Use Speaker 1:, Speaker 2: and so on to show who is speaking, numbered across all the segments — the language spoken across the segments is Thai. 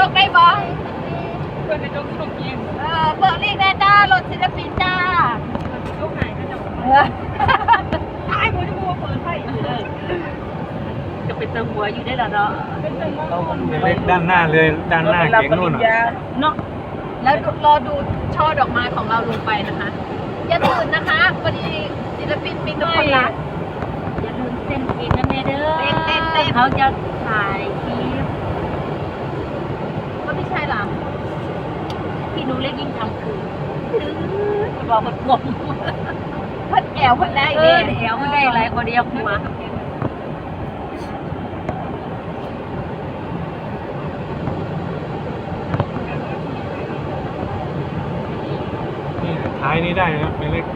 Speaker 1: กได้บ้าง
Speaker 2: เปิดกระจกส่งเอง
Speaker 1: เปิดลีกแน่จ้ารถศิลปินจ้า
Speaker 2: ยกไหนกระจกไอ้กูจะกูเปิดไฟจะเป็นตังหัวอยู่ได้แล้วเนาะเป็นตังหัว
Speaker 3: เล็กด้านหน้าเลยด้านหน้าเก๋งนู่น
Speaker 2: เนาะ
Speaker 1: แล้วรอดูช่อดอกไม้ของเราลงไปนะคะอย่าตื่นนะคะพอดีศิลปินมีทุกคนรัก
Speaker 2: อย่าลืมเต้นเองนะแม่เด้อ
Speaker 1: เต้น
Speaker 2: เขาจะถ่ายคลิป
Speaker 1: ก็ไม่ใช่หรอ
Speaker 2: พี่หนูเล็กยิ่งทำคือบอกมันกลม
Speaker 1: เพิ่นแอวเพิ่นได้
Speaker 2: เอ
Speaker 1: เด้
Speaker 2: อเดี๋ยวมันได้หลายคนเดียวมา
Speaker 3: นี่ท้ายนี้ได้นะไม่เล็ก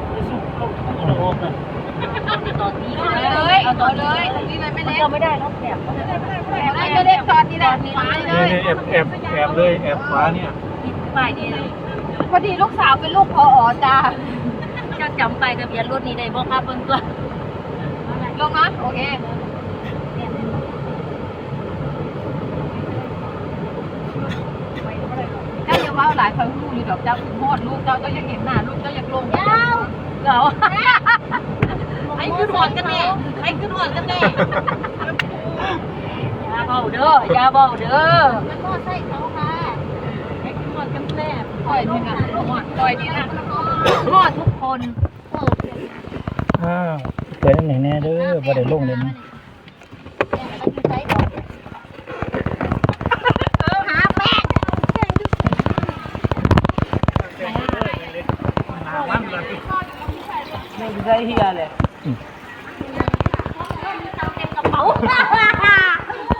Speaker 2: ตอนนี้
Speaker 1: เอาเลยเอาเลยตรงนี้เลยไม่เล็ก
Speaker 2: เราไม่ได้แล้วแบบ
Speaker 1: ไม่เล็กตอนนี้แหละฟ้าเล
Speaker 3: นี่
Speaker 1: ย
Speaker 3: แอบเลยแอบขวาเนี่ย
Speaker 2: ติดป้ายนี่เลย
Speaker 1: พอดีลูกสาวเป็นลูกพอจ้า
Speaker 2: จะจำไปทะเบียนรถนี้ได้บอกครับเพิ่นตัว
Speaker 1: ลงนะโอเคเจ้าอย่าว่าหลายคนลูกอยู่ดอกเจ้าถึงฮอดลูกเจ้ายังเห็นหน้าลูกเจ้าอยากลงยาว
Speaker 2: เราให้ขึ้นหอดกันแน่ให้ขึ้นหอดกันแน่อย่าเบาเด้ออย่าเบาเด้อ
Speaker 1: มันก็ใช่เขาค่ะ
Speaker 2: ให้ขึ้นหอดกันแน่
Speaker 1: ปล่อยนี่นะปล่อยนี่นะ
Speaker 2: หอดทุกคน
Speaker 3: เปิดไหนแน่เด้อบ่ได้ลงเลยนะ
Speaker 1: หาแป้ง
Speaker 3: มันเลย
Speaker 2: ไม่ได้เฮียเลย